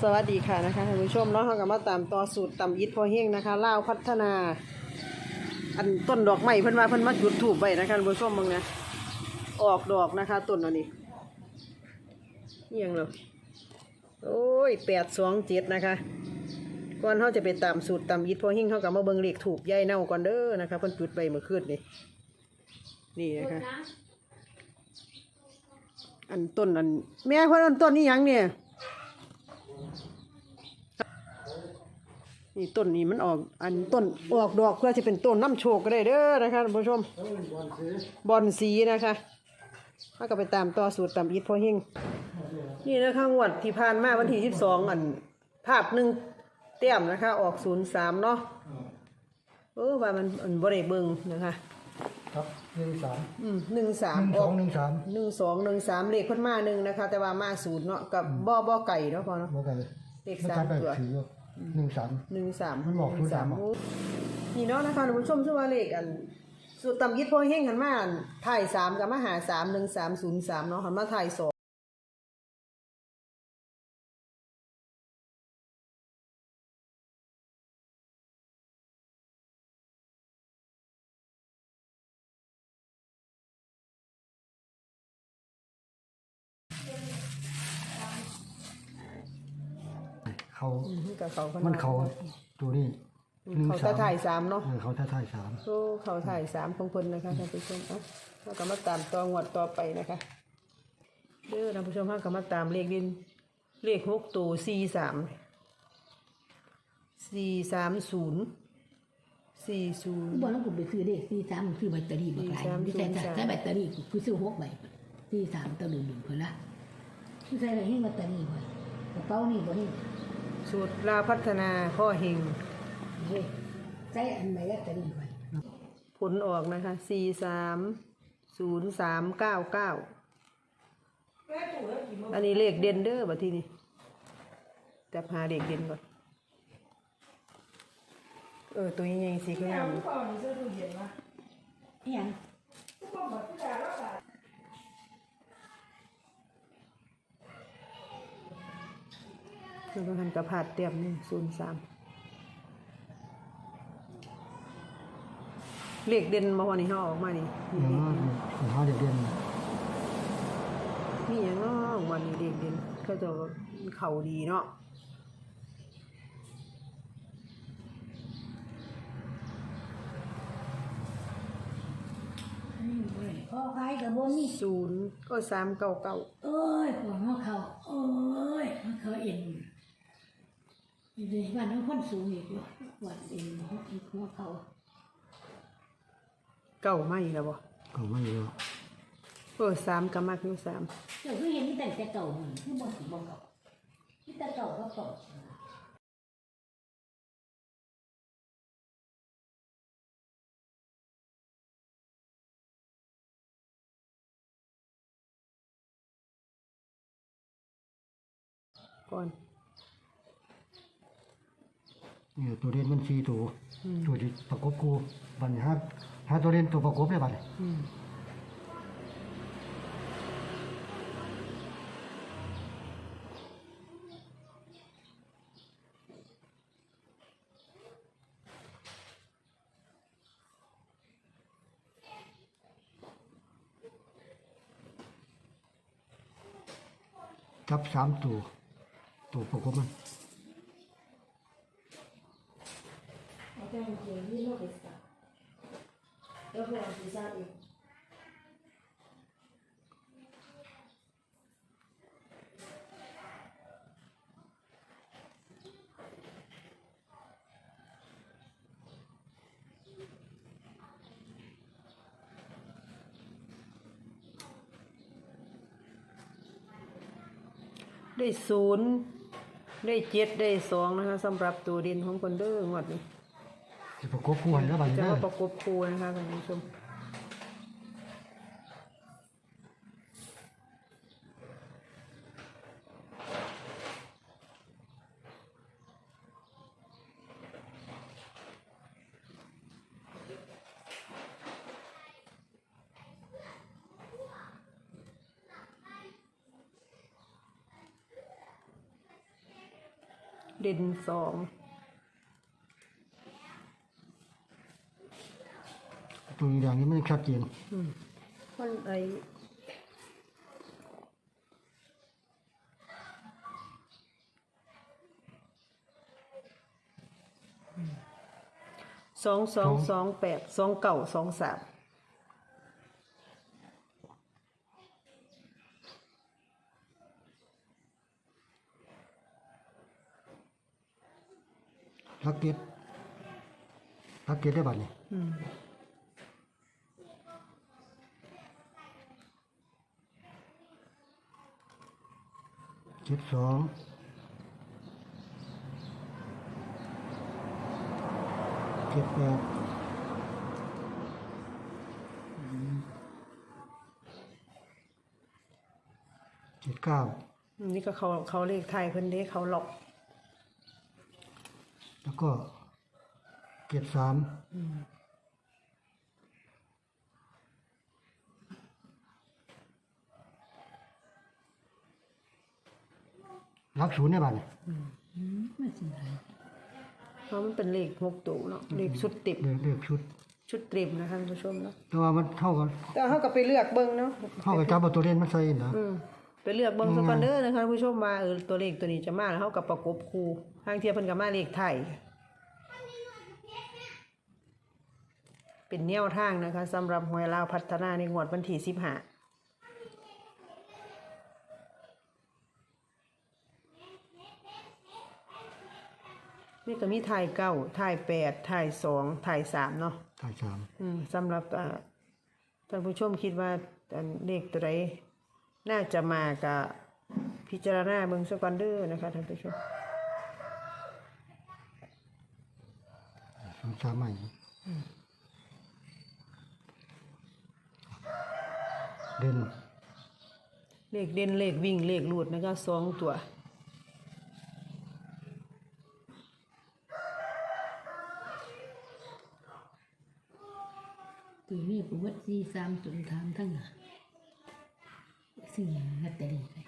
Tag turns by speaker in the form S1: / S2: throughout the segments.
S1: สวัสดีค่ะนะคะท่านผู้ชมเนาะเราก็มาตามต่อสูตรตำยิดพอเฮงนะคะลาวพัฒนาอันต้นดอกไม้เพิ่นว่าเพิ่นมาจุดธูปไว้นะคะท่านผู้ชมมึงนะออกดอกนะคะต้นอันนี้นี่ยังเหรอโอ้ย827นะคะก่อนเขาจะไปตามสูตรตำยิดพอเฮงเขาก็มาเบิ่งเลขถูกยายเน่าก่อนเด้อนะคะเพิ่นจุดไว้เมื่อคืนนี่นะคะอันต้นอันแม่เพิ่นอันต้นนี้ยังเนี่ยนี่ต้นนี้มันออกอันต้นออกดอกเพื่อจะเป็นต้นน้ำโชคก็ได้เด้อนะคะท่านผู้ชมบอนสีนะคะถ้าก็ไปตามต่อสูตรตามยิดพอเฮงนี่นะคะงวดที่ผ่านมาวันที่12อันภาพหนึ่งเต็มนะคะออก03เนาะว่ามันบ่ได้เบิ่งนะคะ
S2: ครับ13
S1: 13ออก1213เลขเพิ่นมา1นะคะแต่ว่ามา0เนาะกับบ่ไก่เนาะพอเนาะ
S2: บ่ไก่
S1: เลข3ตัว13
S2: มันบอก03
S1: นี่เนาะนะคะท่านผู้ชมชื่อว่าเลขอันสูตรตำยิดพอเฮงหันมาถ่าย3กับมาหา31303เนาะหันมาถ่าย2
S2: เขา
S1: กับเขา
S2: มันเขาตัวนี้
S1: เขาถ่าย3เนาะ
S2: เขาถ่าย3
S1: โอ้เขาถ่าย3ของเพิ่นนะคะท่านผู้ชมเราก็มาตามต่องวดต่อไปนะคะเด้อท่านผู้ชมเราก็มาตามเลขดินเลข6ตัว430
S3: บอกแล้วผมไปซื้อเลข43มันซื้อแบตเตอรี่บักหลายใช้แบตเตอรี่คือซื้อ6ใบ43ตัว1เพิ่นละคือใช้ให้แบตเตอรี่ไว้กระเป๋านี่บ่นี่
S1: สูตรลาวพัฒนาพ่อเฮง
S3: เฮ้ยใช้อันใบแบตเตอรี่ไว้
S1: ผลออกนะคะ430399อันนี้เลขเด่นเด้อบัดทีนี้แต่หาเลขเด่นก่อนตัวใหญ่ๆสิคืองาม
S3: อีหยัง
S1: คือมันกระพาดเต็มนี่03เลขเด่นมาวันนี้เขาออกมานี่
S2: เขาเด่น
S1: มีอย่างเนาะวันนี้เลขเด่นเขาจะเขาดีเนาะ
S3: พอขายกับบ่มี
S1: 0ก็399
S3: เอ้ยหัวเขาเอ้ยมันเขาเอ็นอยู่ในบ้านน้องคนสูงอีกว่าเอ็นหัวเขา
S1: เก่าไม่แล้วบ่
S2: เก่าไม่เยอะ
S1: 3ก็มักอยู่3
S3: เดี๋ยวคือเห็นมีแต่เก่าหนึ่งคือบ่สิบ่เก่ามีแต่เก่าก็เก่า
S1: ก่อน
S2: นี่ตัวเด่นมัน4ตัวที่ประกบคู่บัดนี้หาตัวเด่นตัวประกบได้บัดนี้จับ3ตัวประกบมัน
S1: ได้0ได้7ได้2นะคะสำหรับตัวเด่นของคนเด้องวดนี้
S2: ประกบคู่ให้แล้วบัดนี้
S1: จะประกบคู่นะคะท่านผู้ชมเด่นสอง
S2: ตัวอย่างนี้มันชัดเจน
S1: มันไอ222282923
S2: รักเก็ตได้บัดนี่72 78 79
S1: นี่ก็เขาเลขไทยเพิ่นเด้เขาหลอก
S2: แล้วก็73รักศูนย์ได้บัดนี่
S3: ไม่สิไร
S1: เพราะมันเป็นเลข6ตัวเนาะเลขชุดติบ
S2: เลือกชุด
S1: ชุดเต็มนะคะท่านผู้ชมเนาะ
S2: แต่ว่ามันเท่ากัน
S1: แต่เฮาก็ไปเลือกเบิ่งเนาะ
S2: เท่ากับจับเอาตัวเล่นมันใส่นะ
S1: ไปเลือกเบิ่งซะก่อนเด้อนะคะท่านผู้ชมว่าตัวเลขตัวนี้จะมาแล้วเฮาก็ประกบคู่ทางเทียเพิ่นก็มาเลขไทยเป็นแนวทางนะคะสำหรับหวยลาวพัฒนาในงวดวันที่15นี่ก็มีถ่าย9ถ่าย8ถ่าย2ถ่าย3เนาะ
S2: ถ่าย3
S1: สำหรับท่านผู้ชมคิดว่าเลขตัวใดน่าจะมากับพิจารณาเบิ่งซะก่อนเด้อนะคะท่านผู้ชม
S2: ใหม่เด่น
S1: เลขเด่นเลขวิ่งเลขลูดนะคะ2ตัว
S3: ตัวนี้ประวัติ43จนถามทั้งน่ะซื้อลอตเตอรี่ไป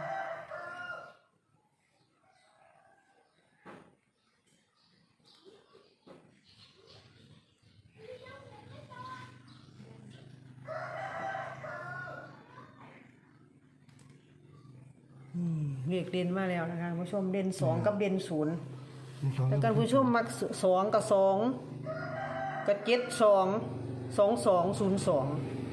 S1: เลขเด่นมาแล้วนะคะท่านผู้ชมเด่น2กับเด่น0
S2: มีสอง
S1: แล้วกันผู้ชมมัก2กับ2กับ722202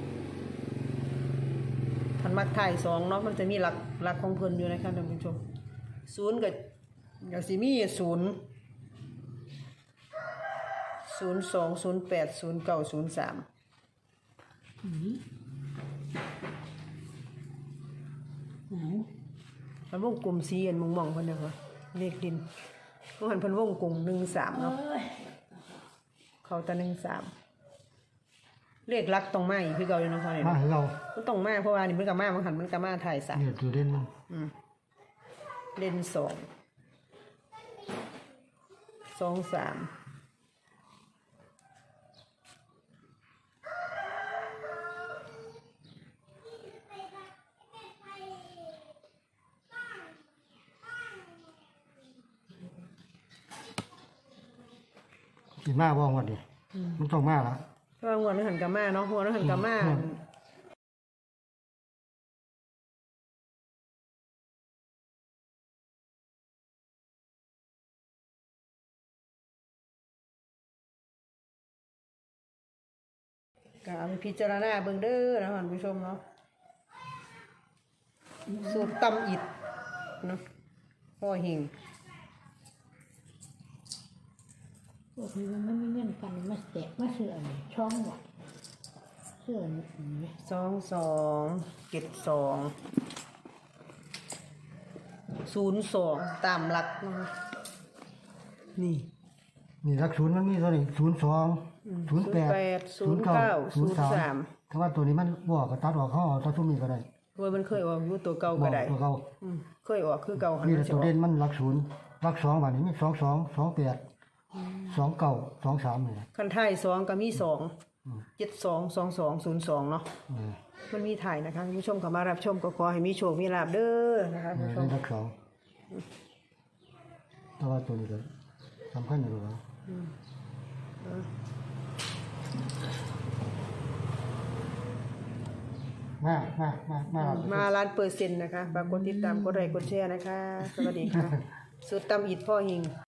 S1: ท่านมักถ่าย2เนาะมันจะมีหลักของเพิ่นอยู่นะคะท่านผู้ชม0กับก็สิมี0 02080903มันวงกลมสีอันมองๆเพิ่นน่ะค่ะเลขดินบ่หันเพิ่นวงกลม13เนาะเขาแต่13เลขหลักต้องมาอีกคือเก่าอยู่เนาะพ่อนี่
S2: มา
S1: เนาะ
S2: ให้เรา
S1: มันต้องมาเพราะว่านี่มันก็มามันหันมันก็มาถ่าย3
S2: เนี่ยตัวเด่นมัน
S1: เล่น2 3
S2: สิมาบ่งวดดิมันต้องมาละ
S1: เพราะว่าหัวมันหันกับมาเนาะหัวมันหันกับมาก็เอาไปพิจารณาเบิ่งเด้อนะท่านผู้ชมเนาะสูตรตำอิดเนาะพ่อหิง
S3: พวกนี้มันไม่เงื่อนกันมาแตกมาเสื่อมช่องหวัดเสื่อมนี่
S1: 227202ตามหลักนะคะนี่
S2: นี่รักศูนย์มันมีตัวนี้02 08 09 03ถ้าว่าตัวนี้มันบ่ก็ตัดออกเฮาเอาตัวซุมนี้ก็ได้
S1: โดยมันเคยออกอยู่ตัวเก่าก็ได้
S2: ตัวเก่า
S1: เคยออกคือเก่าหัน
S2: นี่
S1: มา
S2: ตัว
S1: อ
S2: เด่
S1: อก
S2: นมันรักศูนย์รัก2บัดนี้มี22 28 29 23นี่แหละ
S1: คันท้าย2ก็มี722202เนาะมันมีถ่ายนะคะคุณผู้ชมเข้ามารับชมก็ขอให้มีโชคมีลาภเด้อนะคะคุณผู้ชม
S2: รัก2 แต่ว่าตัวนี้ก็สำคัญอยู่แล้ว
S1: มาล้านเปอร์เซ็นต์นะคะฝากกดติดตามกดไลค์กดแชร์นะคะ สวัสดีค่ะ สุดตำอิดพ่อหิง